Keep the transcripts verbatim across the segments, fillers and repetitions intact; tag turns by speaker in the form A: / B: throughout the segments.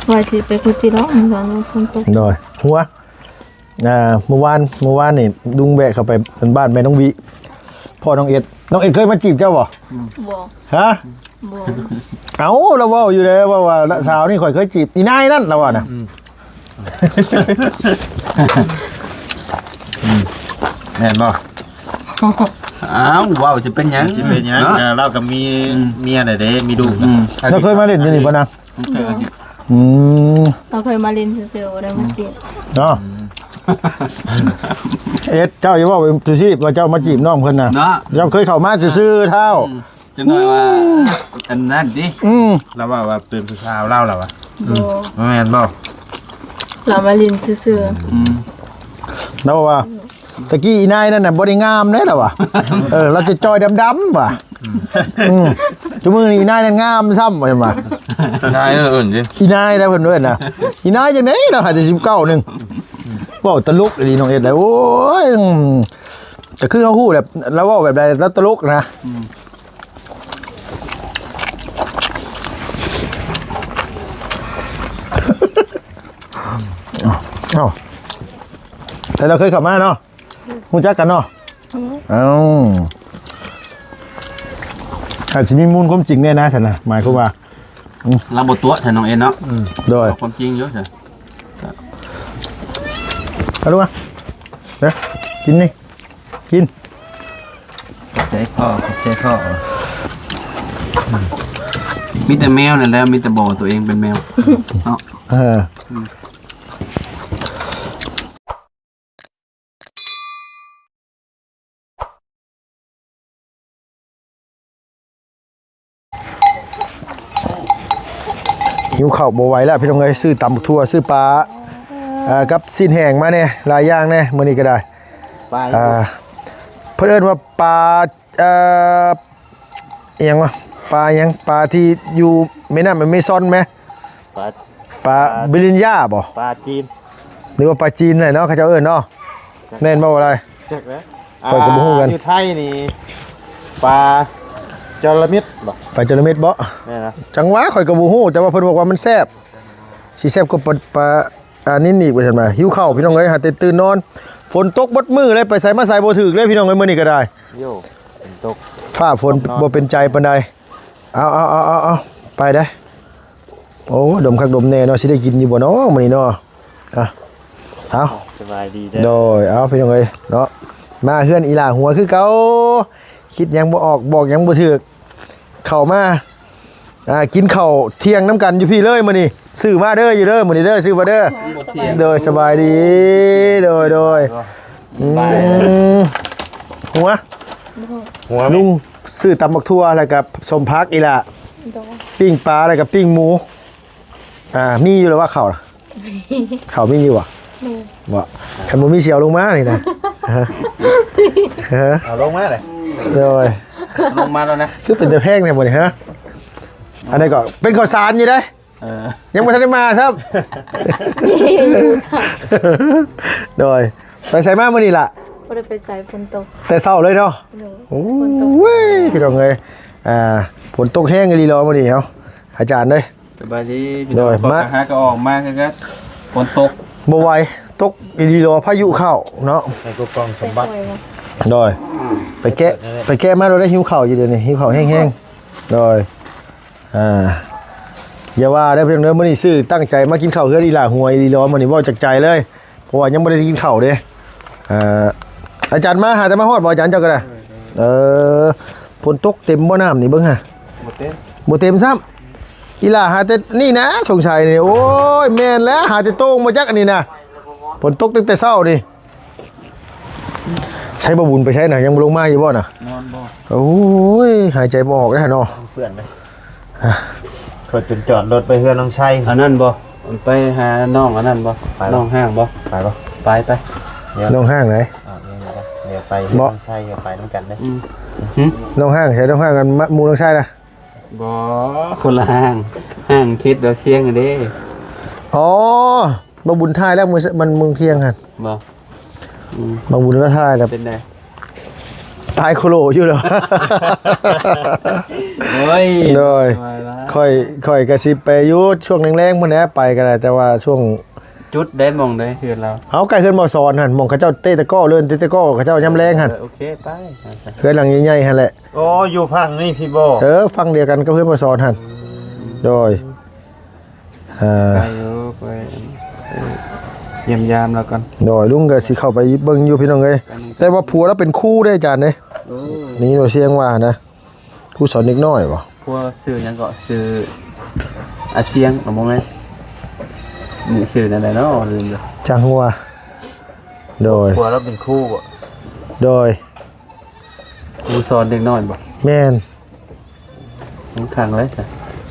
A: ว่าสิไปคุยจีร้องตอนฝนตก
B: โดยหัวอ่าเมื่อวานเมื่อวานนี่ดุงแบกเข้าไปบ้านแม่น้องวิพ่อน้องเอ็ดน้องเอ็ดเคยมาจีบเจ้าบ่
A: บ่
B: ฮะ
A: บ่
B: เอ้าเราเว้าอยู่เลยว่าว่าสาวนี่ข่อยเคยจีบอีนายนั่นเราว่าน่ะแม่นบ่
C: อ้าวว้าวจะเป็นหยัง
D: สิเป็นหยังเราก็มีเมียน่ะเด้มีลูก
B: เราเคยมาเล่นอยู่นี่บ่นางอืม
A: เราเคยมาเล่นซื่อๆได้มาจีบ
B: เนาะเอ็ดเจ้าอย่าว่าไปทุชีพว่าเจ้ามาจีบน้องเพิ่นน่ะ
C: เนาะ
B: เจ้าเคยเข้ามาซื่อๆเท่า
C: จะหน่อยว่าอันนั้นดิ
B: อืม
D: เราว่าว่าตื่นผู้ชายเล่าเราอ่ะ
A: บ่
D: แม่นบ่
A: เรามาเล่นซื่อ
C: อืม
B: แล้วว่าตะกี้อีนายนั่นน่ะบ่ได้งามเด้ล่ะว่ะเออเราจะจอยดำๆว่ะอืมจุมื้อนี้อีนายนั่นงามซ้ำว่าซั่นว่า
D: ใช่เอออื่นสิ
B: อีนายได้เพิ่นเอิ้นน่ะอีนายจังได๋เราหาแต่สิบเก้านึงเว้าตลกอีหลีน้องเอ็ดเลยโอ้ยก็คือเฮาฮู้แบบแล้วเว้าแบบใดแล้วตลกนะเอ้าแต่เราเคยขับมาเนาะรู้จักกันเนาะเอ้าอาจจะมีมูลความจริงแน่นะฉันนะหมายความว่า
C: เราบทตัวแทนน้องเอ็นเนาะ
B: โดย
C: ความจริงเยอะใช่
B: เอาลูกมาเด้อกินนี่กิน
D: ใจพ่อใจพ่อ
C: มีแต่แมวนั่นแหละมีแต่บอกตัวเองเป็นแมวเนาะ
B: เออหิวข้าวบ่ไหวแล้วพี่น้องเอ้ยซื้อตำบักทั่วซื้อปลาอ่ากับสิ้นแห้งมาเนี่ยหลายอย่างเนี่ยมื้อนี้ก็ได้
D: ไป
B: อ่าเพิ่นเอิ้นว่าปลาเอ่ออิหยังวะปลาหยังปลาที่อยู่แม่น้ำมันไม่ซ่อนไหม
D: ปลา
B: ปลาบิลินย่าบ่
D: ปลาจีน
B: หรือว่าปลาจีนไหนเนาะเขาเจ้าเอิ้นเนาะแม่นบ่ว่าอะไร
D: จักแล้ว
B: ข้อยก็บ่ฮู้กัน
D: อยู่ไทยนี่ปลาจระมิดบ่
B: ปลาจระเม็ดบ่
D: แม่นะ
B: จังหวะข่อยก็บ่ฮู้แต่ว่าเพิ่นบอกว่ามันแซ่บสิแซ่บกว่าปลาปลาอันนี้นี่ว่าซั่นมาหิวข้าวพี่น้องเอ้ยหาแต่ตื่นนอนฝนตกบดมือเลยไปใส่มาใส่บ่ถึกเลยพี่น้องเอ้ยมื้อนี้ก็ได้
D: โยเป็นตก
B: ฟ้าฝนบ่เป็นใจปานใดเอาเอาเอาเอาเอาไปได้โอ้ดมคักดมแน่เนาะสิได้กินอยู่บ่เนาะมื้อนี้เนาะอ่ะเอา
D: สบายดีเด้
B: โดยเอาพี่น้องเอ้ยเนาะมาเฮือนอีหล่าหัวคือเก่าคิดหยังบ่ออกบอกหยังบ่ถูกเข้ามาอ่ากินข้าวเที่ยงน้ำกันอยู่พี่เลยมื้อนี้ซื้อมาเด้ออยู่เด้อมื้อนี้เด้อซื้อมาเด้อโดยสบายดีโดยโดยอืมหัว
D: หัว
B: ลุงซื้อตำบักทั่วแล้วกับสมพักอีหล่ะ
A: ๆโดย
B: ปิ้งปลาแล้วกับปิ้งหมูอ่ามีอยู่แล้วว่าเขาน่ะเขามีอยู่อ่ะบ่คันบ่มีเสียวลงมานี่นะฮะฮะ
D: เอาลงมาเลย
B: โดย
C: ลงมาแล้วนะ
B: คือเป็นแต่แพงเนี่ยบ่นี่ฮะอันนี้ก็เป็นข้าวสารอยู่ได้
C: เออ
B: ยังบ่ทันได้มาครับโดยไปใส่มามื้อนี้ล่ะ
A: บ่ได้ไปใส่ฝนตก
B: แต่เช้าเลยเนาะ
A: โดย
B: โอ้ยพี่น้องเอ้ยอ่าฝนตกแห้งอีหลีรอมื้อนี้เฮาอาจารย์เด้ย
C: สบายดีพี่
B: โด
C: น้อง
B: ย
C: พอ
B: มา
C: กระหาก็ออกมาคือกันฝนตก
B: บ่ไหวตกอีหลีรอพายุเข้าเนาะ
D: ให้กูกองสมบัติ
A: ไปบ่
B: โดยไปแกะไปแกะมาเราได้หิวข้าวอยู่เดี๋ยวนี้หิวข้าวแห้งๆโดยอ่าอย่าว่าได้อเพียงเด้อมื้อนี้ซื้อตั้งใจมากินข้าวเฮือนอีหล่าหวยอีหลอมื้อนี้เว้าจากใจเลยเพราะว่ายังบ่ได้กินข้าวเด้อ่าอาจารย์มาหาแต่มาฮอดบ่อาจารย์เจ้าก็ได้เออฝนตกเต็มบ่น้ำนี่เบิ่งฮะ
D: หมดเต้น
B: บ่เต็มซ้ำอีหล่าหาแต่นี่นะสงสัยนี่โอ้ยแม่นแล้วหาแต่โต้งมาจักอันนี้นะฝนตกตั้งแต่เช้านี่ใช้บ่บุญไปใช้น่ะยังบ่ลงมาอยู่บ่น่ะ
C: นอนบ่
B: โอ้ยหายใจบ่ออกแล้วเนาะ
D: เพื่อนไหมเปิดจุดจอดรถไปเพื่อนน้องชัย
C: อันนั้นบ่ไปหาน้องอันนั้นบ่น้องห้างบ่
D: ไปปะ
C: ไปไป
B: น้องห้างไหน
D: อ่าเดี๋ยวไปเดี๋ยวไปเพื่อนน้องชัยเดี๋ยวไปน้ำกันได้
C: อืมหึ
B: น้องห้างใช้น้องห้างกันมะหมูน้องชายนะ
C: บ่คนละห้างห้างทิศดาวเชียงอันเด้
B: อ๋อบ่บุญทายแล้วมือมันมึงเที่ยงกัน
C: บ่อืม
B: บ่บุญแล้วทายแล้ว
C: เป็นไง
B: ตายโคโลอยู่แล้ว
C: โอ้ย
B: โดย
C: มาละ
B: ค่อยค่อยกระซิบไปอยู่ช่วงแรงๆมื้อนี้ไปก็ได้แต่ว่าช่วง
C: จุดได้มองได้คือเรา
B: เอาไก่เฮือนบ่ซอนหั่นหม่องเขาเจ้าเตะตะก้อเลื่อนเตะตะก้อเขาเจ้ายามแรงหั่น
C: เออโอเคไป
B: เฮือนหลังใหญ่ๆหั่นแหละ
D: โอ้อยู่พังนี่พี่โบ
B: เออฟังเดียวกันกับเฮือนบ่ซอนหั่นโดยอ่า
C: ไปอยู่ไปเออเยี่ยมยามแล้วกัน
B: โดยลุงก็สิเข้าไปเบิ่งอยู่พี่น้องเอ้ยแต่ว่าผัวเราเป็นครูได้อาจารย์เด้
C: โอ้
B: นี่เราเสียงว่านะครูสอนเด็กน้อยบ่
C: พวกสื่อหยังก็สื่ออาเซียงหรือมั้งไงนี่สื่อนั่นแหละเนาะลืมเลย
B: จังหัวโดย
D: ผัวเราเป็นคู่บ่
B: โดย
C: ครูสอนเด็กน้อยบ่
B: แม่น
C: ผมขังเลยจ้ะ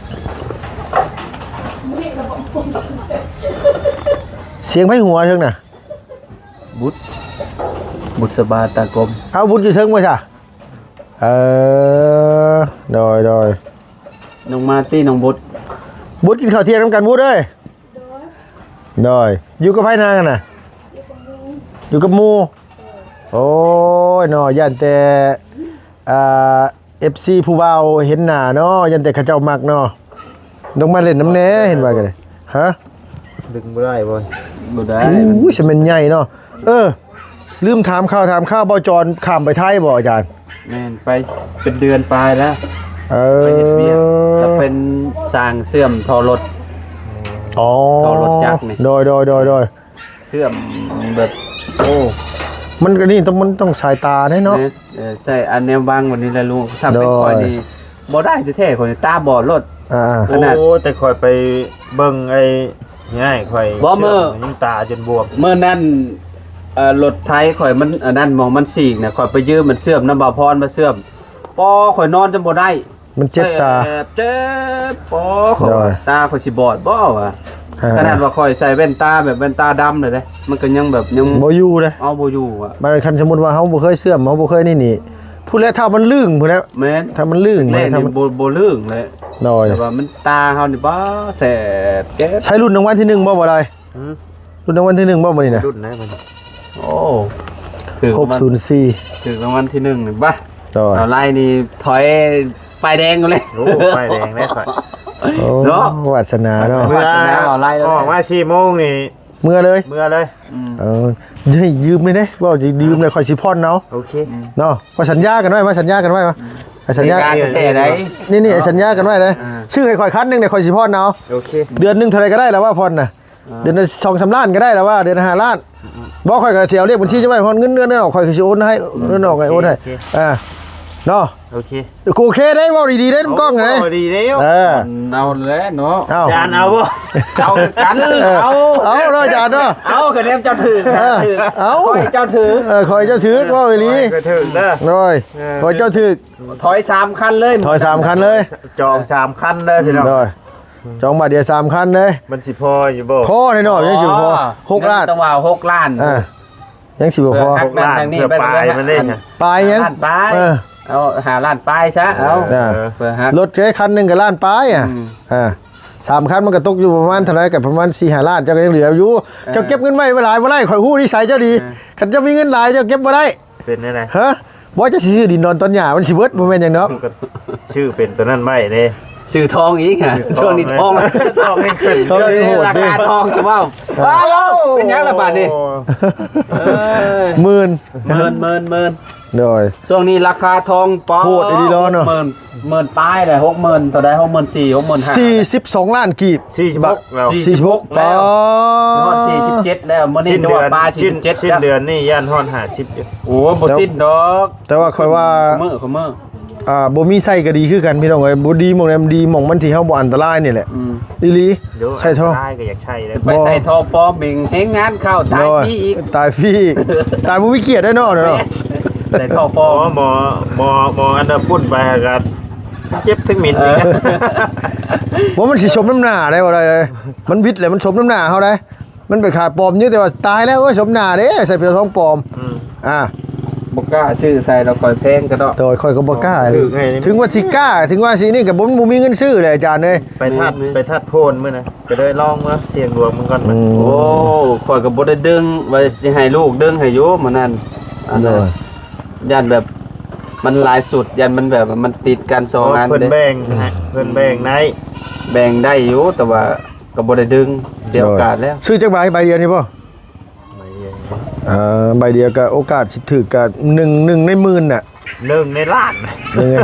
B: เสียงไผหัวเทิงน่ะ
C: บุตรบุตรสบาตากลม
B: เอาบุญอยู่เทิงบ่จ้ะเออโดยโดย
C: น้องมาตี้น้องบุตร
B: บุญกินข้าวเที่ยงนำกันบุญเอ้ยโดยอยู่กับไผนางกันน่ะอยู่กับหมู่โอ้ยเนาะย่านแต่อ่า เอฟ ซี ผู้เบาเห็นหน้าเนาะยันแต่เขาเจ้ามักเนาะต้องมาเล่นน้ำแหน่เห็นว่ากันเลยฮะ
D: ดึงบ่ได้บ่
C: บุได้
B: อู้ยฉันเป็นใหญ่เนาะเออลืมถามข่าวถามข้าวบ่จรข้ามไปไทยบ่อาจารย์
C: แม่นไปเป็นเดือนปลายแล้ว
B: เอ
C: ไป
B: อ
C: เห็นเวียกจะเป็นสร้างเสื่อมทอรถ
B: อ๋อ
C: ต่อรถจักรนี่
B: โดยโดยโดยโดย
C: เสื่อมแบบโอ้
B: มันก็นี่ต้องมันต้องสายตาแน่เนาะ
C: เนี่ยเออใช่อันแนวบางวันนี้แหละลุงทำเป็น
B: โดย
C: คอยนี่บ่ได้แท้ๆคนตาบอดรถ
B: อ่า
C: ขนาด
D: โอ้แต่คอยไปเบิ่งไอ้ง่ายคอย
C: บ่มื้อ
D: ยิ่งตาจนบวม
C: เมื่อนั้นเอ่อรถไทยข่อยมันอันนั้นมองมันสีกเนี่ยข่อยไปยืมมันเสื่อมน้ำบ่าวพรมาเสื่อมปอข่อยนอนจนบ่ได้
B: มันเจ็บตา
C: แอบเจ็บปอข่อย
B: โดย
C: ตาข่อยสิบอดบ่วะ
B: อ่า
C: ขนาดว่าข่อยใส่แว่นตาแบบแว่นตาดำเลยเด้มันก็ยังแบบยัง
B: บ่อยู่เลย
C: เอาบ่อยู่อ่ะ
B: มันคันสมมุติว่าเฮาบ่เคยเสื่อมเฮาบ่เคยนี่นี่พูดแล้วถ้ามันลื่นพุ่นแล้ว
C: แม่น
B: ถ้ามันลื่น
C: แรก
B: ถ้า
C: นี่
B: มัน
C: บ่บ่ลื่นเลย
B: โดย
C: แต่ว่ามันตาเฮานี่บ่แสบเจ็บ
B: ใช้รุ่นรางวัลที่หนึ่งบ่บ่ได้
D: หือ
B: รุ่นรางวัลที่หนึ่งบ่มื้อนี้น่ะ
D: รุ่นไหนมัน
C: โอ้ถือ
B: หก
C: มัน
B: ศูนย์สี่
C: ถือรางวัลที่หนึ่งนี่บ่
B: โดย
C: เอาไล่นี่ถอยป้ายแดงกันเลย
D: โอ้ไฟแดงได้ค่อย
B: โอ้
C: เนาะ
B: วาสนาเนาะ
D: เมื่อ
C: เอาไล่แล้ว
D: ออกมาสี่โมงนี่
B: เมื่อเลย
D: เมื่อเลย
C: อืม
B: เออให้ยืมเลยเด้ว่าจะยืมเลยคอยสิพ่อนเนาะ
D: โอเค
B: เนาะว่าสัญญากันไว้มาสัญญากันไว้มาเอาสัญญา
C: การแต่ไหน
B: นี่นี่สัญญากันไว้เลย
C: อ่า
B: ชื่อให้คอยคันหนึงเนี่ยคอยสิพ่อนเนาะ
D: โอเค
B: เดือนหนึงเท่าไหรก็ได้แล้วว่าพ่อนน่ะเดือนละสองสามล้านก็ได้แล้วว่าเดือนละห้าล้านบอกคอยก็สิเอาเรียกบัญชีจะไว้พ่อนเงินเดือนเดือนออกคอยก็สิโอนให้เดือนออกไงโอนให้อ่าเนาะ
D: โอเค
B: กูโอเคได้เว้าดีๆได้กล้องไง
D: โดีแล้ว
B: เออ
C: เอาแล้วเนาะ
B: เอา
D: จานเอาบ่
C: เอากันเอา
B: เอาเนาะจานเนาะ
C: เอากระเด็นเจ้าถือ
B: เออเอา
C: คอยเจ้าถือ
B: เออคอยเจ้าถือว่าอีหลี
D: ก็ถึงเด้อ
B: หน่อย
D: เออ
B: คอยเจ้าถือ
C: ถอยสามคันเลย
B: ถอยสามคันเลย
D: จองสามคันเด้อพี่น้อง
B: หน่อยจองมาเดียวสามคันเลย
D: มันสิพออยู่บ่
B: พอแน่นอนยังสิบ่พอหกล้าน
C: ต้องว่าหกล้าน
B: อ่ายังสิบ่พอ
C: เออ
D: หกล้านเพื่อปลายมันได้ค่ะ
B: ปลายยัง
C: ล้านปลาย
B: เออ
C: เอาหาล้านปลายซะเอา
B: อ่า
C: เพื่อฮัก
B: รถแค่คันหนึงกับล้านปลายอ่ะ
C: อืม
B: อ่าสามคันมันก็ตกอยู่ประมาณเท่าไหร่กับประมาณสี่ห้าล้านเจ้าก็ยังเหลืออยู่เจ้าเก็บเงินไว้บ่หลายบ่ได้ข่อยฮู้นิสัยเจ้าดีคันเจ้ามีเงินหลายเจ้าเก็บบ่ได้
D: เป็นได้ไง
B: ฮะบ่จะสิซื้อดินนอนต้นหญ้ามันสิเบิดบ่แม่นหยังเนาะ
D: ก็ชื่อเป็นตัวนั้นไม่เด้
C: ซื้อทองอีกค่ะช่วงนี้ทอง
D: ทองไม่ขึ้น
B: ทอง
C: ช่วงนี้ราคาทองจะว่าว้าวเป็นยังละบาทนี่เอ้ย
B: หมื่น
C: เมินเมินเมิน
B: โดย
C: ช่วงนี้ราคาทองปอ
B: โหดไอ้ดีร้อนเนอะ
C: หมื่นหมื่นป้ายเลยหกหมื่นเท่าไดหกหมื่นสี่หกหมื่นห้า
B: สี่สิบสองล้านกีบ
D: สี่สิบหกแล้ว
C: สี่
B: สี่สิบหก
C: แล้ว
B: อ๋อ
C: ฮอดสี่สิบเจ็ดแล้วเมื่อนี้
D: สิ้น
C: จัง
D: เดื
C: ห
D: อ
C: วัด
D: น
C: ปลาสี่
D: สิ้น
C: สิบเจ็ด
D: สิ้นเดือนนี่ย่านห้อนหาชิปอยู่
C: โอ้บ่สิ้นดอก
B: แต่ว่าค่อยว่า
C: เมื่อเขาเมื่อ
B: อ่าบ่มีไส้ก็ดีคือกันพี่น้องเอ้ยบ่ดีหม่องใดมันดีหม่องมันที่เฮาบ่อันตรายนี่แหละ
C: อืม
B: อีหลี
D: เดี๋ยว
B: ใช่ท่อ
D: ได้ก็อยากใช่เลย
C: ไปใส่ทองปลอมเบ่งเฮงงานเข้าตายพี่อีก
B: ตายฟรีอีกตายบ่มีเกียรติได้เนาะเนาะ
C: ใส่ทองป
D: ห
C: ล
D: ม
C: อ
D: อ
C: ม
D: หมอหมอหมออันดับพุ่นไปกันเจ็บถึงหมิ่น
C: เอ
D: นี่
C: อ
B: ว่ามันสิสมน้ำหน้าได้บ่ได้เอ้ยมันวิทย์แหละมันสมน้ำหน้าเฮาได้มันไปขาดปลอมอยู่แต่ว่าตายแล้วเว้ยสมหน้าเด้ใส่เปลือกทองปลอม
D: ม
B: อ่า
C: บ่กล้าซื้อใส่เราคอยแพงก็ดอก
B: โดยค่อยก็บ่กล้า
D: ถึงไงนี่
B: ถึงว่าสิกล้าถึงว่าสินี่ก็บ่บ่มีเงินซื้อเลยอาจารย์เอ้ย
D: ไปทัดไปทัดโพนมื้อนะก็ได้ลองว่าเสียงดวงมันก่อนมัน
C: โอ้คอยก็บ่ได้ดึงไว้สิให้ลูกดึงให้อยู่มื้อนั้นอันนั้นย่านแบบมันหลายสุดยันมันแบบว่ามันติดกันสองอัน
D: เพิ่น
C: เด้
D: แบ่งนะฮะเพิ่นแบ่งใน
C: แบ่งได้อยู่แต่ว่าก็บ่ได้ดึงเสียโอกาสแล้ว
B: ซื้อจักใบใบเดียวนี่ป่ะอ่าใบเดียวก็โอกาสสิถือกับหนึ่งหนึ่งในหมื่นน่ะ
D: หนึ่งในล้าน
B: หนึ่ง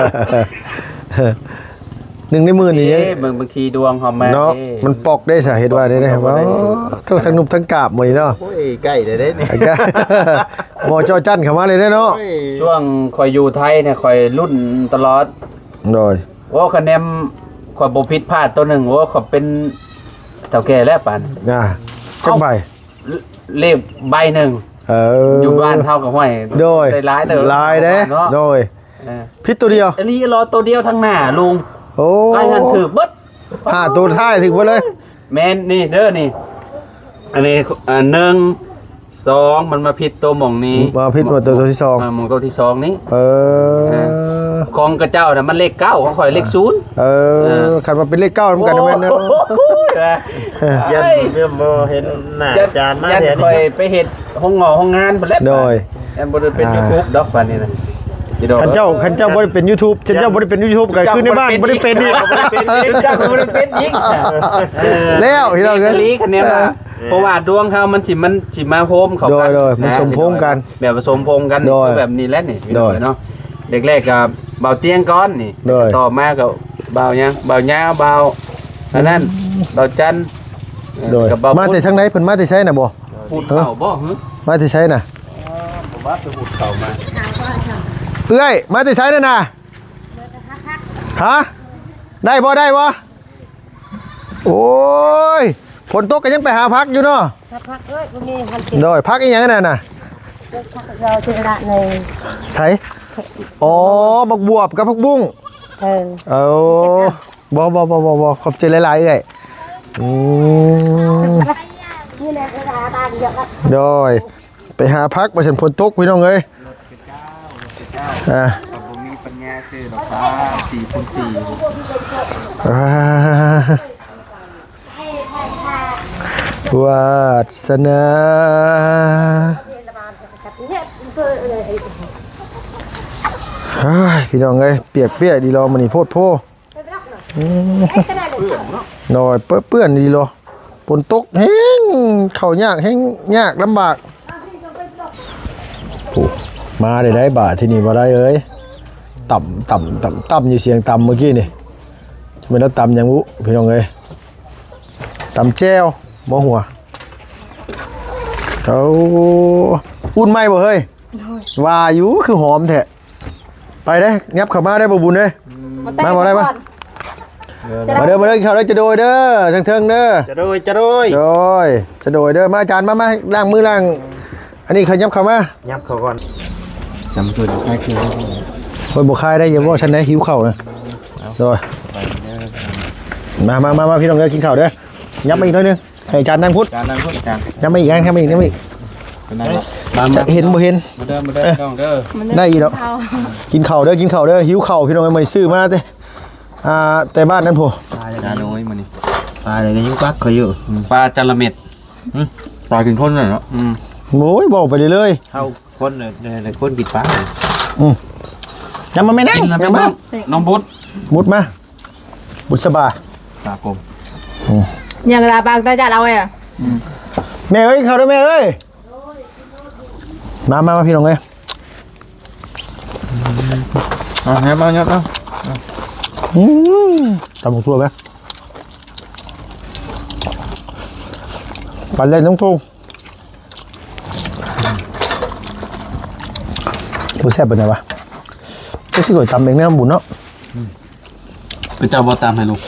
B: หนึ่งในหมื่นนี่
C: เอ๊ะบางบางทีดวงเฮามา
B: เนาะ
C: เอ๊ะ
B: มันปอกได้สาเหตุว่าได้ได้ว่าทั้งทั้งนุบทั้งกาบหมดนี่เนาะ
D: โอ้ยใกล้ได้เด้นี่
B: ไอ้กะหมอจอจันเข้ามาเลยได้เนาะ
D: โอ้ย
C: ช่วงคอยอยู่ไทยเนี่ยคอยรุ่นตลอด
B: โดย
C: ว่าคะแนนคอยบ่ผิดพลาดตัวหนึงว่าเขาเป็นเฒ่าแก่แล้วปาน
B: อ่าจักใบ
C: เลขใบหนึง
B: เออ
C: อ
B: อยู่
C: บ้านเฮากับห้อย
B: โดย
C: ได้หลายเด้อ
B: ลายเด้
C: เนาะ
B: โดย
C: เออ
B: พิษตัวเดียว
C: อันนี้รอตัวเดียวทั้งหน้าลุง
B: โอ้
C: ไอ้หันถือเบิด
B: ห้าตัวท้ายถึงหมดเลย
C: แม่นนี่เด้อนี่ อันนี้อ่าหนึ่งสองมันมาผิดตัวหม่องนี้
B: มาพิษมาตัวตัวที่สอง
C: อ่าหม่องตัวที่สองนี้
B: เออ
C: ของกระเจ้าน่ะมันเลขเก้าของข่อยเลขศูนย์
B: เออขันมาเป็นเลขเก้าเหมือนกันนะแม่เนาะ
D: ยันเริ่มบ่เห็นหน้า
C: ยัน
D: จานมา
C: ยัน
D: แท้
C: คอย
D: นี่
C: ไปเห็ดห้องงอห้องงานไปแล้ว
B: โดย
C: ยันบริเป็น
B: อ่า
C: ยูทูบดอกปันนี่นะอีดอก
B: ขันเจ้าขันเจ้าบ่ได้เป็น YouTube ขันเจ้าบ่ได้เป็น YouTube ก็คือในบ้านบ่ได้เป็นนี่
C: เจ้าก็บ่ได้เป็นยิง
B: แล้วที่เราเกิน
C: ลีคะแนนว่าเพราะว่าดวงเฮามันสิมันสิมาโฮมเข้ากัน
B: โดยๆมันสมพงษ์กัน
C: แบบผสมพงษ์กัน
B: โดย
C: แบบนี้แหละนี่
B: โดย
C: เนาะเด็กแรกกับเบาเตียงก้อนนี่
B: โดย
C: ต่อมาก็เบายังเบาหญ้าเบาอันนั้นเบาจันทร์
B: โดย
C: กับเบา
B: มาแต่ทางไหนเพิ่นมาแต่ไสน่ะบ่
C: พูดเข่าบ่ฮึ
B: มาแต่ไสน่ะ
C: ผมว่าไปพูดเข่ามา
B: เอ้ยมาแต่ไสนั่นน่ะฮะได้บ่ได้บ่โอ้ยฝนตกก็ยังไปหาพักอยู่เนาะ
E: พักเอ้ยบ่มีพันติ
B: โดยพักอีหยังนั่นน่ะ
E: พักเราที่ระใน
B: ไสอ๋อบักบวบกับผักบุ้ง
E: เออ
B: เอาบ่บ่บ่บ่บ่ขอบใจหลายๆเอ้ยอืม
E: นี่แหละเวลาตาเยอะละ
B: โดยไปหาพักมาฉันฝนตกพี่น้องเอ้ยอ่า
C: ผมมีปัญญาซื้อดอกฟ้าสี่คูณสี่
B: อ่าวาสนา
E: เนี่ยเพื่อเลย
B: เฮ้ยพี่น้องเอ้ยเปียกเปียกดีรอมันนี่โพดโพอืมหน่อยเปื้อนเปื้อนดีรอฝนตกแห้งเข้ายากแห้งยากลำบากโอ้มาได้ได้บาทที่นี่บ่ได้เอ้ยต่ำต่ำต่ำต่ำอยู่เสียงต่ำเมื่อกี้นี่ไม่แล้วต่ำยังวุพี่น้องเอ้ยต่ำแจ้วบ่หัวเขาอุ่นไหมบ่เฮ้ยว่าอยู่คือหอมแท้ไปได้งับเข้ามาได้บ่บุญเด้ยมาบ่ได้ปะมาเด้อมาเด้อเข้าได้จะโดยเด้อเทิงๆเด้อ
D: จะโดยจะโดย
B: โดยจะโดยเด้อมาอาจารย์มามาล้างมือล้างอันนี้เขายับเข้ามา
D: ยับเขาก่อน
C: จำจุดใกล้เคียง
B: คนบ่คายได้อย่าว่าฉันได้หิวข้าวนะโดยมามามามาพี่น้องเด้อกินข้าวเด้อยับมาอีกหน่อยหนึงให้อาจารย์นั่งพุทธ
C: การนั่งพูดกัน
B: ยับมาอีกนั่งยับมาอีกยับมาอีก
C: นั่งมา
B: จะเห็นบ่เห็น
C: มาเด้อมาเด้อน้องเด้อ
B: ได้อีกแล้วกินข้าวเด้อกินข้าวเด้อหิวข้าวพี่น้องไม่ซื้อมาเด้ออ่าแต่บ้านนั้นพอ
D: ตายเลยน้อยมันนี่ตายเลยก็ยิ่งปักเขาอยู่
C: ปลาจระเม็ด
D: ปลากินคนน่ะเนาะ
C: อืม
B: โอ้ยบอกไปเลยเลย
D: เข้าคนเนี่ยเนี่ยคนกินปลา
B: อืมยังมาไม่นั่ง
C: กินแล้ว
B: ยั
C: เป็
B: ง
C: น
B: มา
C: น้องน้องบุตร
B: มุดมาบุษบา
C: ตากลม
A: อย่างลาบางตาจัดเอาไว้อะ
B: แม่เอ้ยเข้าด้วยแม่เอ้ยมามามาพี่น้องเอ้ย
D: เอาแฮมเอาเนี่ยเอา
B: อืมตำหมกทั่วไหมปันเล่นต้องทุ่งดูแซ่บเป็นไงวะเจ้าสิก๋วยตำเองเนี่ยบุญเนาะ
C: เป็นเจ้าบ่ตามให้ลูก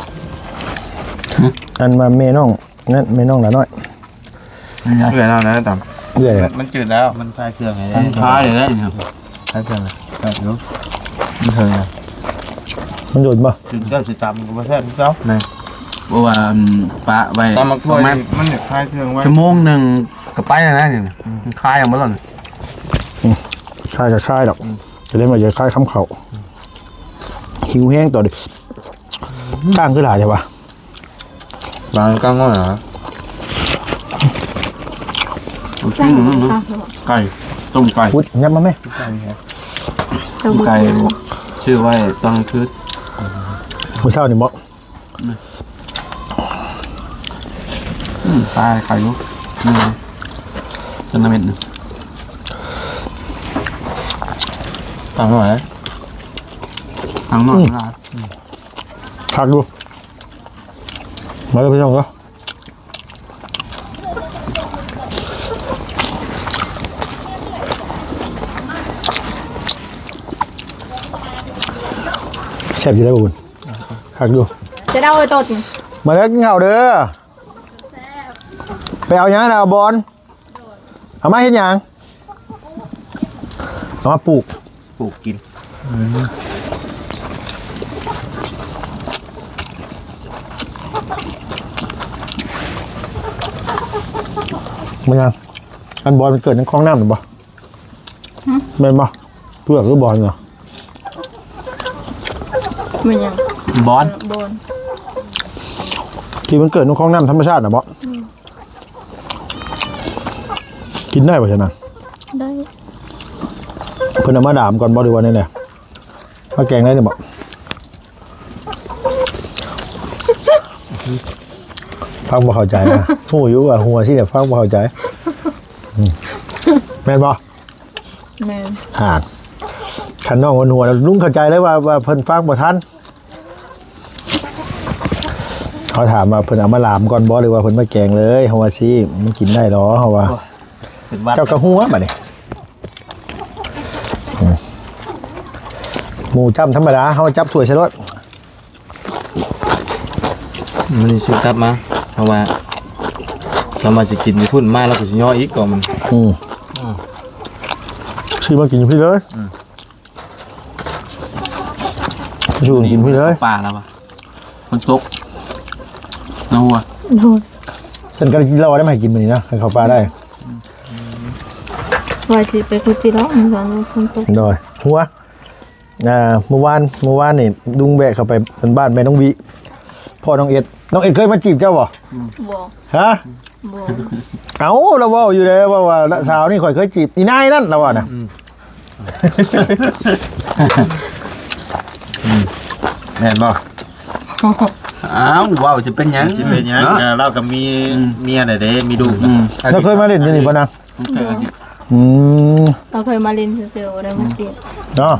B: อันมาเมน้องนั่นเมน้องหน่อยน้อย
D: เกลือแล้วนะต่
B: เรื่อยเลย
D: ำมันจืดแล้วมันใส่เครื่องไง
C: คล้ายเลยนะ
D: ใส่เครื่องเลยใส่รู้มันเถิงอ่ะ
B: มันโดนป่ะ
D: จืดเจ้าจืดตำก็ไม่ใช่เจ้าไหน
C: เพราะว่าปลาไว้
D: ตำมัก
C: ป
D: ถ้วย
C: ระมาณ
D: มันเนี่ยคลายเครื่องไว้
C: ชั่วโมงหนึ่งก็ไปแล้วนะเนี่ยมันคลายออกมาแล้ว
B: ค่ายกับค่ายดอกจะเล่นมาเยอะค่ายค้ำเขาหิวแห้งต่อดิก้างขึ้นหลายใช่ปะ
D: บางกลางว่าเหรอไก่ต้มไก่
B: พุดยับมาไหม
D: ไก่ครับ
C: ไก่ชื่อไว้ต้องคืด
B: มื้อเช้านี่บ่
C: ตายไข่ลูกนี่จนน้ำเม็ดตังหน่อยตังหน่อยนะ
B: คักดูมาเลยพี่น้องก็แซ่บอยู่ได้อบุญคักดู
A: จะได้เอาไปตด
B: มาแล้วกินข้าวเด้อไปเอาหยังนะเอาบอลเอามาเฮ็ดหยังเอามาปลูก
D: ปลูกกิน
B: มันยังอันบอลมันเกิดในคลองน้ำหรือเปล่าแม่นบ่เพื่อกหรือบอลเหรอ
A: มันยัง
C: บอล
A: บน
B: ที่มันเกิดในคลองน้ำธรรมชาตินะบ่กินได้ป่ะชนะ
A: ได้
B: เพิ่นเอามาดามก่อนบ่ดีวันนี้เนี่ยมาแกงได้เนี่ยบ่ฟังบ่เข้าใจนะหูอยู่ว่าหัวสิเนี่ยฟังบ่เข้าใจอืมแม่นบ่
A: แม่น
B: ห่าขันน้องคนหัวแล้วลุงเข้าใจเลยว่าว่าเพิ่นฟังบ่ทันเขาถามว่าเพิ่นเอามาลามก่อนบ่หรือว่าเพิ่นมาแกงเลยเฮาว่าสิมันกินได้ดอกเฮาว่า
D: เป็นวัด
B: เจ้ากระหัวบัดนี้อืมหมูจ้ำธรรมดาเฮาจับถ้วยใส่รถ
D: มันนี่ซื้อกลับมาเพราะว่าเรามาจะกินมีพุ่นมาแล้วก็สิย่ออีกก่อนมัน
B: อืมซื้อมากินพี่เลยซื้อมากินพี่เลย
C: ป่าแล้วปะมันตกน้องวัว
A: โดน
B: ฉันก็กินเหล้าได้ไหมาให้กินมื้อนี้นะให้เขาปลาได้
A: ว่าสิไปคุยจีร้องมันก่อนคนตก
B: โดยหัวอ่าเมื่อวานเมื่อวานนี่ลุงแบกเข้าไปบ้านแม่น้องวิพ่อน้องเอ็ดน้องเอ็ดเคยมาจีบเจ้าบ่
A: บ่
B: ฮะ
A: บ่
B: เอ้าเราเว้าอยู่เลยว่าว่าสาวนี่ข่อยเคยจีบอีนายนั่นเราว่าน่ะ
D: แม่นบ่
C: อ้าวว้าวจะเป็นยัง
D: สิเป็นหยัง
C: เนาะ
D: เออเราก็มีเมียน่ะเด้มีลูก
C: อื
D: นะ
C: ม
B: เราเคยมาเล่นอยู่นี่ป่ะนะ
C: เคยเอาดิ
B: อืม
A: เราเคยมาเล่นเซลล์ได้มาจีบ
B: เนาะ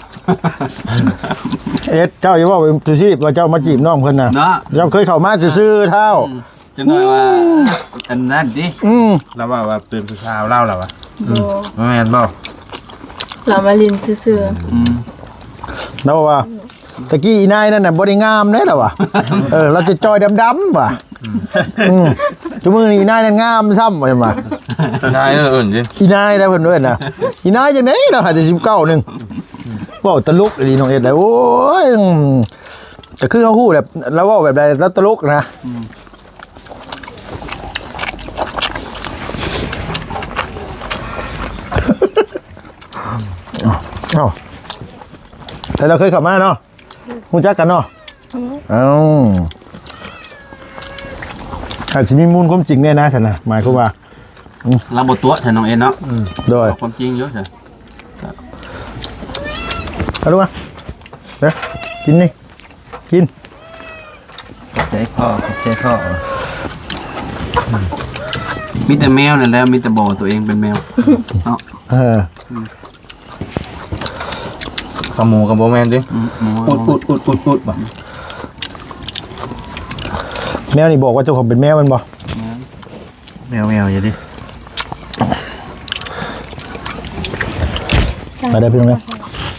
B: เอ็ดเจ้าอย่าว่าเป็นตุชีพว่าเจ้ามาจีบน้องเพิ่นน่ะ
C: เนาะ
B: เจ้าเคยเข้ามาซื่อๆเท่า
C: จะหน่อยว่าอันนั้นดิ
B: อืม
D: เราว่าว่าเป็นผู้ชายเล่าแล้ววะ
A: บ่
D: แม่นบ่
A: เรามาเล่นซื่อ
C: อืม
B: แล้วว่าตะกี้อีนายนั่นน่ะบ่ได้งามเด้ล่ะว่ะเออเราจะจอยดำๆว่ะอืมจุมื้อนี้อีนายนั่นงามซ้ำว่าซั่นว่า
D: ใช่เอออื่นจริง
B: อีนายได้เพิ่นเด้น่ะอีนายจังได๋เราหาแต่สิบเก้านึงเว้าตลกดีน้องเอ็ดเลยโอ้ยอืมแต่คือเขาฮู้แบบแล้วเว้าแบบใดแล้วตลกนะเอ้าแต่เราเคยขับมาเนาะรู้จักกันเนาะเอ้าอาจจะมีมูลความจริงแน่นะฉันนะหมายความว่า
C: เราบทตัวใช่น้องเอ็นเนาะ
B: โดย
C: ความจริงเยอะใช่
B: เอาดูมาเดี๋ยวกินนี่กิน
D: ใจข้อใจข้อ
C: มีแต่แมวนั่นแหละมีแต่บอกตัวเองเป็นแมวเนาะ
B: เออ
D: ขโมยกับโบแมนดิ
C: อืมหมู
D: อุดอุดอุดอุดอุดบ่
B: แมวนี่บอกว่าเจ้าของเป็นแมวมันบ่
D: แมวแมวอย่าดิ
B: มาได้พี่น้องนะ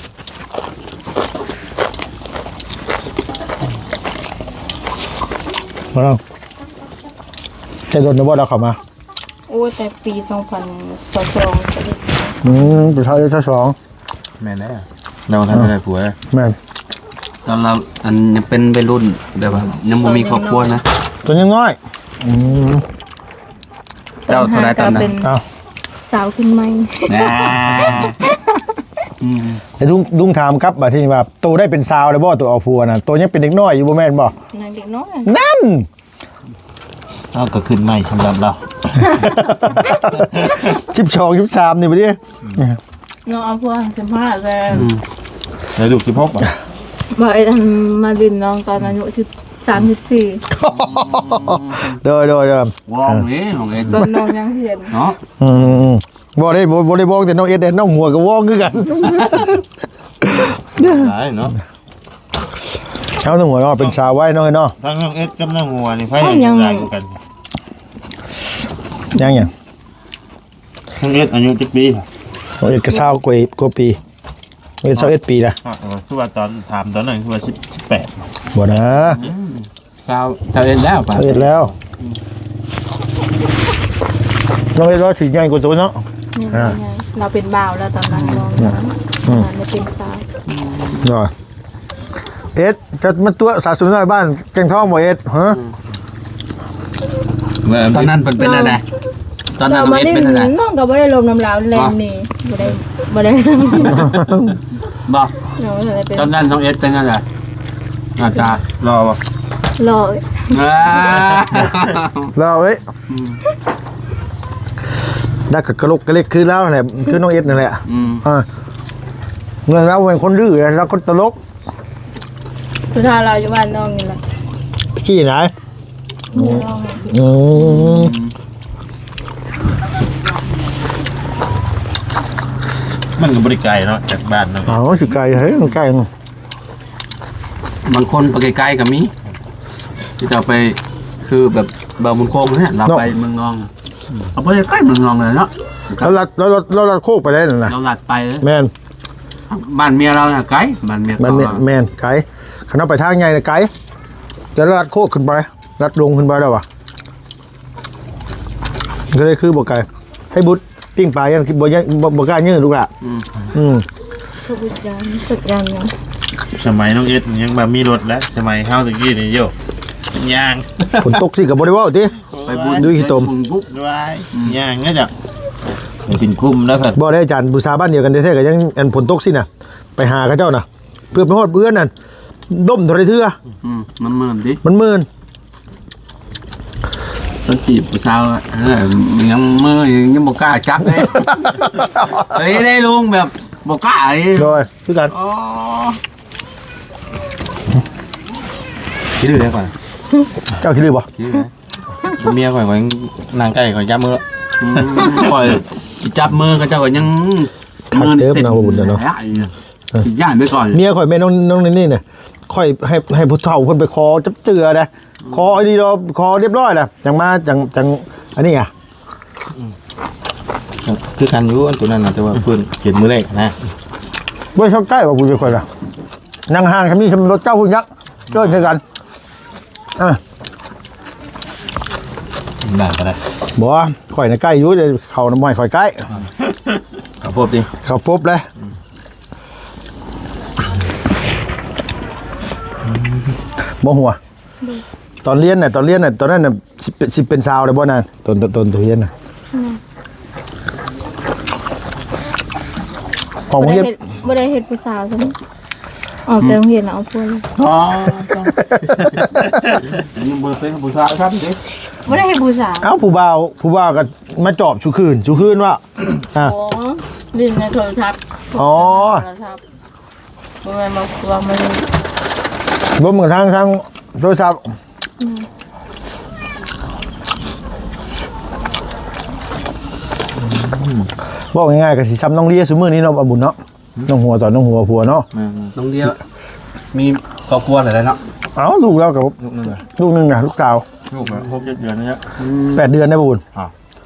B: มาลองจะโดนนะบ่เราเข้ามา
A: ๆโอ้แต่ปีสองพันสองก็ได้
B: อืมเป็นเท่าเท่าสอง
D: แม่นได้เราทำอะไรผัว
B: แม่น
C: ตอนเราอันยังเป็นวัยรุ่นแบบว่ายังไม่มีครอบครัวนะ
B: ตัวยังน้อยอืม
C: เจ้าเท่าไรตอนนั้น
A: เป็น
B: เอา
A: สาวขึ้นใหม่
C: นะอืม
B: ไอ้ลุงลุงถามครับบ่าที่นี่ว่าโตได้เป็นสาวแล้วบ่ตัวเอาผัวน่ะตัวยังเป็นเด็กน้อยอยู่บ่แม่นบ่
A: นางเด็กน้อย
B: นั่น
D: เอาก็ขึ้นใหม่สำหรับเรา
B: สิบสอง สิบสามนี่บ่ดิ
A: น้องเอาพวกสิบห้าเลย
C: อืม
D: ในลูกสิบหกป่ะ
A: บ่ไอ้อันมาดินน้องตอนอายุสิบสามสิบสี่
B: โดยโดยโดยว
C: องนี่ของเอ็น
A: ตอนน้องยังเห็น
C: เนาะ
B: อืมบ่ได้บ่บ่ได้บอกแต่น้องเอ็ดเด้น้องหัวก็วองคือกัน
D: หลายเนาะ
B: เอาน้องหัวเนาะเป็นสาวไว้เนาะเนาะ
D: ทั้งน้องเอ็ดกับน้องหัวนี่ไผยังหลายกว่ากัน
B: ยังหยัง
D: น้องเอ็ดอายุจักปีค่ะ
B: น้องเอ็ดก็สาวกว่าอีกกว่าปีน้องเอ็ดสาวเอ็ดปีละ
D: อ่ะเออคือว่าตอนถามตอนนั้นคือว่าสิบแปด
B: บ่นะ
C: ชาวชาวเอ็นแล้วป่ะ
B: สาวเอ็ดแล้วน้องเอ็ดร้อยสี่ใหญ่กว่าตัวเนาะ
A: นี่
B: อ่า
A: ไงเราเป็นบ่าวแล้วตอนนั้นน้อง
B: อืม
A: เราเป็นสาว
B: เนาะเอ็ดจะมาตัวสาวสวยน้อยบ้านแกงทองบ่เอ็ดฮะ
C: ตอนนั้นเป็นเป็นอะไรตอนนั้น
A: เรา
C: น้อง
A: มา
C: เอ็น
A: เล่น
C: เป็นอะไร
A: น้องก็บ่ได้ลมน้ำลาวแรงนี่บ่ได้บ่ได้
C: บอก
A: น้องอะไรเป็น
C: ตอนนั้นน้องเอ็ดเป็นอะไรอาจารย์
D: รอป่ะ
A: รอ
B: เราเอ้ยได้กับกระโหลกกระเล็กคือแล้วแหละคือน้องเอ็ดนั่นแหละ
C: อืม
B: อ่าเงินเราเป็นคนดื้อแล้วคนตลก
A: สุดท้ายเราอยู่บ้านน้องนี่แหละ
B: ขี้ไหน
A: น้อง
B: อืม
D: มันก็บริไกลเนาะจากบ้านเนาะ
B: อ๋อสิไก่เฮ้ยไก่
C: บางคนไปไกลๆกับมีที่เราไปคือแบบเบาบุญโคงเนี่ยเราไปเมืองนองเอาไปใกล้เมืองนองเลยเนาะ
B: เราลัดเราลัดเราลัดโคกไปได้น่ะนะ
C: เราหลัดไปเลย
B: แมน
C: บ้านเมียเราน่ะไกลบ้านเมีย
B: แม
C: เขา
B: น
C: เรา
B: แมนไก่ขณะไปทางไงนะไก่จะลัดโคกขึ้นไปลัดลงขึ้นไปได้ปะก็เลยคือบอกไก่ใส่บุตรปิ้งปลายังบ่ยังบ่บ่กล้ายืดลูกละ
C: อืม
B: อืม
A: สุดยอดสุดยอดยัง
D: สมัยน้องเอ็ดยังแบบมีรถแล้วสมัยเฮาตะกี้นี่โยเป็นยาง
B: ฝนตกสิกับบริวารติ
C: ไปบุญ
B: ดูขี้ตม
C: บุญปุ๊บ
D: ด้วยยางเนี่ยจ้ะมันเป็นคุ้มนะเพิ่น
B: บ่ได้อาจารย์บูชาบ้านเดียวกันแท้ๆก็ยังอันฝนตกสิน่ะ ไปหาเขาเจ้าน่ะ เพื่อไปฮอดเพื่อนนั่นด้มเท่าไรเทื่อ
C: อืมมันเมินดิ
B: มันมื่น
C: ตอนจีบผู้สาวอะเออยังเมื่อยังบอกกล้าจับเลย เฮ้ยได้ลุงแบบบอกกล้าเลย
B: โดยคือกัน
C: อ๋อ
D: คิดดูได้ก่อน
B: เจ้าคิดดีบ่
D: คิดดูได้เมียข่อยข่อยนางไก่ข่อยย้ำมือ
C: อืมปล่อยจับมือก็เจ้าก็ยังมือเสร็จย่านไปก่อน
B: เมียข่อยแม่น้องน้องนี่น่ะข่อยให้ให้ผู้เฒ่าเพิ่นไปขอจับเจือนะขอไอ้นี่เราขอเรียบร้อยแล้วจังมาจังจังอันนี้อ่ะ
D: คือกันอยู่อันตัวนั้นนะแต่ว่าเพิ่นเห็นมือเลขนะ
B: บ่ชอบใกล้ว่ากูจะข่อยล่ะนั่งห่างคันนี้สำรถเจ้าพุ่นยักษ์เกินคือกันอ่ะ
D: ได้ก็ได้
B: บ่ข่อยน่ะใกล้อยู่เดี๋ยวเข้าน้ำม้อยข่อยใกล้
C: ขอพบดิ
B: เข้าปุ๊บเลยบ่หัว ตอนเรียนน่ะตอนเรียนน่ะตอนนั้นน่ะสิเป็นสิเป็นสาวได้บ่นางตอนตอนตอนตัวเรียนน่ะของ
A: บ่
B: เรี
A: ได้
B: ยน
A: เฮ็ดบ่ได้เฮ็ดผู้สาวใช่ไหมออกแต่โรงเรียนแล้วเอาพวกเลย
C: อ๋อยังเบอร์เป็นผู้สาวครับดิ
A: บ่ได้เฮ็ดผู้สาว
B: เอ้าผู้บ่าวผู้บ่าวก็มาจอบชุคืนชุคืนว่าอ่ะ
A: โอ้ดินในโทรทัศน์
B: อ๋อ
A: โทรทัศน์บ่แม่นมาว่ามาเลย
B: รวมกันทางทางโทรศัพท์บอกง่ายๆก็สิซ้ำน้องเลียซุมื้อนี้เนาะบ่บุญเนาะน้องหัวตอนน้องหัวผัวเนาะ
C: น้องเดียวมีครอบครัวอะไรเนาะ
B: เอ้าลูกเรากับ
D: ลูกนึงอ่ะ
B: ลูกหนึงน่ะลูกสาว
D: ลูกแบบหกเจ็ดเดือนนะเนี่ย
B: แปดเดือนได้บ่บุญ
D: อ่า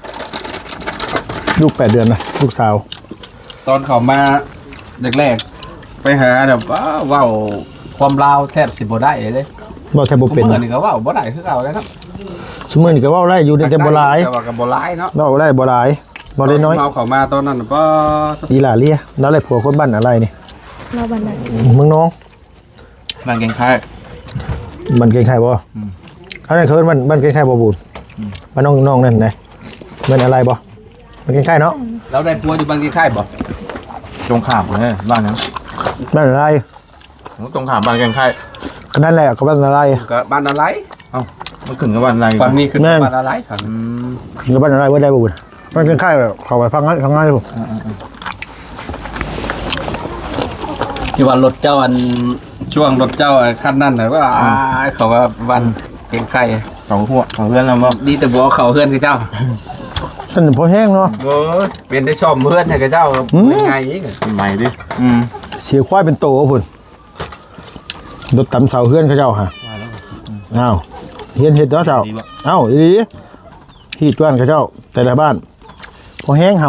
B: ลูกแปดเดือนนะลูกสาว
C: ตอนเขามาแรกๆไปหาแบบว้าวว้าวความลาวแทบสิบ่ได้เลย
B: บ่แทบบ่เป็น
C: เมื่อนี่ก็ว้าวบ่ได้คือเก่าเลยเนาะ
B: ซุมื้อนี้ก็เว้าได้อยู่แต่บ่หลาย
C: แต่ว่าก็บ่หลายเนาะ
B: เว้าได้บ่หลายบ่ได้น้อย
C: เอาเขามาตอนนั้นก็
B: อีหล่าเลียแล้วเลยผัวคนบ้านอะไรนี่
A: เราบันได
B: เมืองน้อง
D: นางเก่งค่าย
B: บ้านเกงไข่บ่อันนั้นคือบ้านบ้านเกงไข่บ่บุญบ้านน้องน้องนั่นไหนบ้านอะไรบ่บ้านเกงไข่เนาะ
C: เราได้ปัวอยู่บางที่ค่ายบ่
D: ตรงขามเลยบ้านนั้น
B: บ้านอะไร
D: ตรงขามบ้านเก่งค่าย
B: ก็นั่นแหละก็บ้านอะไร
C: ก็บ้านอะไร
D: มันขึ้นกับบ้านอะไร
C: ฝั่งนี้คือ
B: แม่น
C: บ้านอะไรฝั่ง
D: อืม
B: ก็บ้านอะไรบ่ได้บ่บุญบ้านเกงไข่แบบเข้าไปฟังงั้นฟังงั้นบ่
C: ที่ว่ารถเจ้าอันช่วงรถเจ้าคันนั้นน่ะว่าเขาว่าวันเก่งไข่
D: เขาหัวเขาเพื่อนเราบ่
C: ดีแต่บอกเขาเพื่อนคือเจ้า
B: ฉันพอแห้งเนาะ
C: โอ้ยเป็นได้ซ่อมเพื่อนให้กับเจ้าเป็นไงอีก
D: เป็นใหม่ดิ
C: อืม
B: เสียควายเป็นโตพุ่นรถตำเสาเฮือนเขาเจ้าฮะอ้าวเฮียนเฮ็ดเนาะเจ้าเอ้าอีหลีฮีดบ้านเขาเจ้าแต่ละบ้านพอแห้งเฮา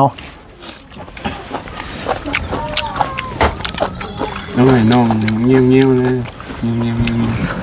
C: น้องไอ้น้องเงี้ยวเงี้ยวเลยเงี้ยวเงี้ยว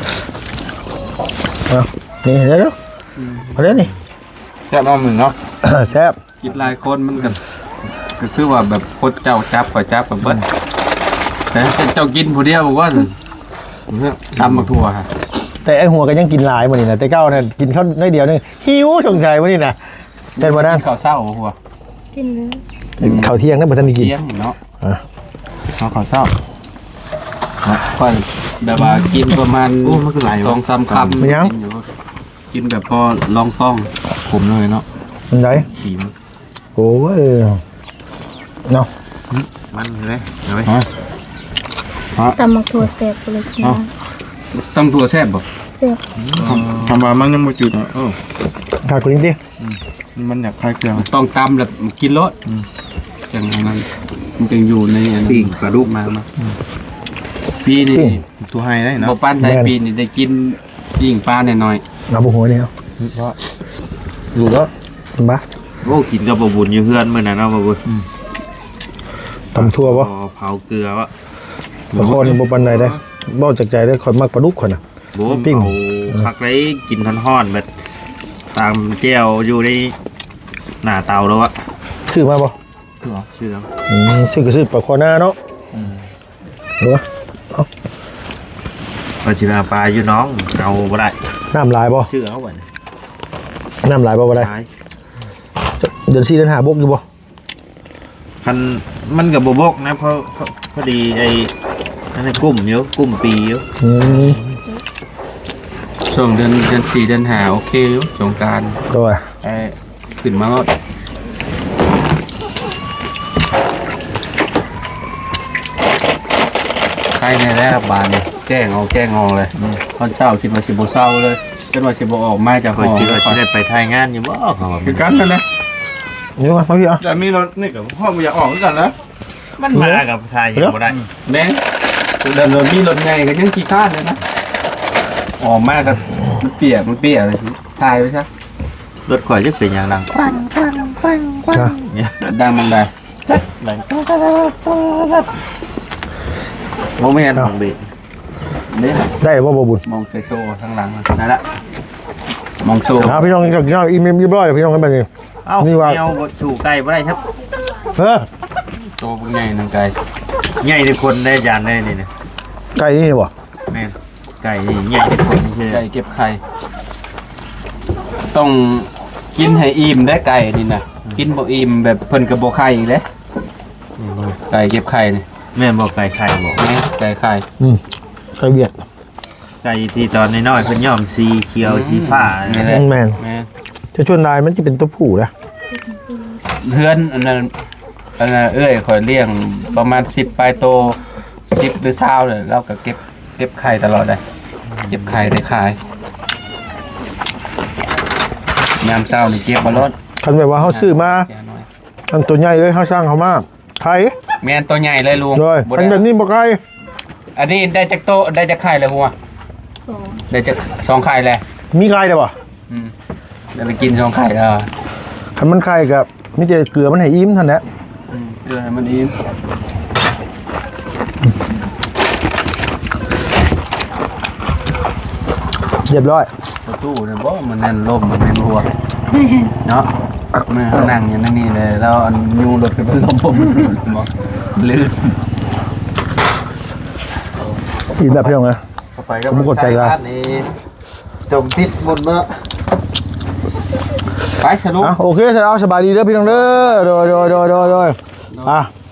B: เอานี่เดี๋ยวเดี๋ยวเอาเดี๋ยวนี่
D: แค่น้องหนึ่งเนาะ
B: แซ่บ
C: คิดหลายคนมันก็ก็คือว่าแบบโคตรเจ้าจับข่อยจับแบบเบิ้ลแต่เจ้ากินผู้เดียวบอกว่าตำมาทั่วฮะ
B: แต่ไอหัวก็ยังกินหลายมื้อนี่นะแต่เก้าน่ะกินข้าวน้อยเดียวนึงหิวสงสัยมื้อนี่นะแต่บ่นั่ง
C: ข้าวเช้าหัว
E: กินเลย
B: ข้าวเที่ยงนั้นบ่ทันได้กิน
C: เที่ยงเนาะ
D: เขาขอเศร้า
C: ค่อยแบบว่ากินประมาณ
D: โอ้มันคือหลาย
C: สองสามคำกินอยู่กินแบบพอลองต้อง
D: ผมเลยเนาะ
B: มันได
D: ผีม
B: โอ้ยเนาะ
D: มันเลยเอาไว้
A: ตำมักถั่วแซ่บเลยนะ
C: ตำตัวแซ่บบ่
A: แซ่บ
D: ทำมามันยังไม่จุดอ่ะเออ
B: ขาดกูนิดดิ
D: มันอยากคลายเครื่อง
C: ต้องตำแล้วกินรสจังนั้นมันจึงอยู่ในอันนั้น
D: ปิ้งปลาดุก
C: มามาปีนี้
D: ตัวไฮได้เนาะ
C: บ่ปั้นได้ปีนี้ได้กินยิ่งปลาหน่อย
B: เอาบ่หัวนี่เอา
D: ดูแล้ว
B: มา
F: โอ้กินกับบ่บุญอยู่เพื่อนมื้อนั้นเนาะบ่บุญ
B: ตำทั่วบ่
F: พอเผาเกลือวะ
B: ปลาคอนี่บ่ปานใดได้บ่จากใจได้ข่อยมักปลาดุกข่อยน่ะ
F: บ่
B: ปิ้ง
F: เผาคักได้กินฮ้อนๆแบบตามแก้วอยู่ในหน้าเตาแล้วอะ
B: ซื้อมาบ่
F: ชื่อแล้ว
B: อืมซื้อก็ซื้อปลาคอหน้าเนาะเหรอ
F: ปลาชินาปลาอยู่น้องเอาบ่ได้
B: น้ำลายบ่
F: ชื่อเอาไว้
B: น้ำลายบ่บ่ได้
F: ตาย
B: เดือนสี่เดือนห้าบกอยู่บ่
F: คันมันก็บ่บกนะเพราะเพราะพอดีไอ้นั่นน่ะกุ้มอยู่กุ้มปีอยู่
B: อืม
C: ๆช่วงเดือนเดือนสี่เดือนห้าโอเคอยู่สงกรานต์
B: ตัว
C: ไอ้ขึ้นมาก็ใครในแรกบานแจ้งเอาแจ้งเอาเลยตอนเช้าคิดว่าสิบ่เศร้าเลยจนว่าสิบ่ออกมาจาก
F: ค
C: ห้
F: อย
C: อง
F: คิดว่าสิได้ไปถ่ายงานอยู่บ่เขาว่า
C: คือกันนั่นแหละ
B: นี่มามาพี่อ่ะ
D: จะมีรถนี่กับพ่อมันอยากออกด้วยกันนะ
F: มันมากับถ่ายอยู่บ่ได้
C: แม่งเดินรถมีรถใหญ่ก็ยังขี้ข้านเลยนะออกมาก็มันเปียกมันเปียกเลยตายไปซะ
F: รถข่อยจะเป็นอย่างดัง
A: ควันควันควันควัน
B: นะ
F: เนี่ย
C: ดังมันได้
F: บ่แม่นของเบร
C: เนี่ย
B: ได้บ่บ่บุญ
C: มองใส่โซ่ข้างหลังอะ
F: นั่นละ
C: มองโซ่
B: เอาพี่น้องกับพี่น้องอีเมลเรียบร้อยพี่น้องกันไปนี่
F: เอ้า
B: นี่ว่า
F: แมวบ่สู่ไก่บ่ได้ครับ
B: เออ
C: โซ่พวกใหญ่ทางไกล
F: ใหญ่ทุกคนได้จานได้นี่นะ
B: ไก่นี่บ่
F: แม่นไก่นี่ใหญ่ทุกคนคือ
C: ไก่เก็บไข่ต้องกินให้อิ่มได้ไก่นี่นะกินบ่อิ่มแบบเพิ่นกับบ่ไข่อีกเด้ไก่เก็บไข่นี่
F: แม่นบอกไก่ไข่บอก
C: นี่ไก่ไข่
B: อืมไก่เวียด
F: ไก่ที่ตอนน้อยๆเพิ่นย่อมสีเขียวสีฟ้า
C: นี่
F: นะ
C: แหละ
B: แม่น
C: แม่
B: จะชวนนายมันจะเป็นตัวผู้นะ
C: เพื่อนอันนั้นอันนั้นเอ้ยข่อยเลี้ยงประมาณสิบปลายโตสิบหรือเช้าเลยเราก็เก็บเก็บไข่ตลอดเลยเก็บไข่ได้ขายยามเช้านี่เก็บมาลด
B: คันแบบว่าเขาซื้อมา
C: แก่น้อย
B: อันตัวใหญ่เลยเขาสร้างเขามาไข่
C: แม่นตัวใหญ่เลยลุง
B: โดย
C: บ่
B: อัน
C: ได้
B: แบบนี้บ่ไข่
C: อันนี้ได้จากโตได้จากไข่เลยหัว
A: สอง
C: ได้จากสองไข่เลย
B: มีไข่ได้บ่
C: อืมเดี๋ยวไปกินสองไข่เออ
B: คันมันไข่กับนี่จะเกลือมันให้อิ่มเท่านั้นแหละ
C: อืมเพื่อให้มันอิ่ม
B: เรียบร้อย
C: ประตูเนี่ยบ่มันแน่นลมมันแน่นหัวเนาะเมื่อเขานั่งอย่างนั้นนี่เลยแล้วอันยูรถก็เป็นลมผมบอกลื่น
B: อิ่มแบบพี่น้องนะ
F: เข้าไปก็
B: ผมกดใจว่า
F: นี่จมพิษบุญเนาะ
C: ไปสรุป
B: อ่ะโอเคเสร็จแล้วสบายดีเด้อพี่น้องเด้อโดยโดยโดยโดยโดยอ่ะ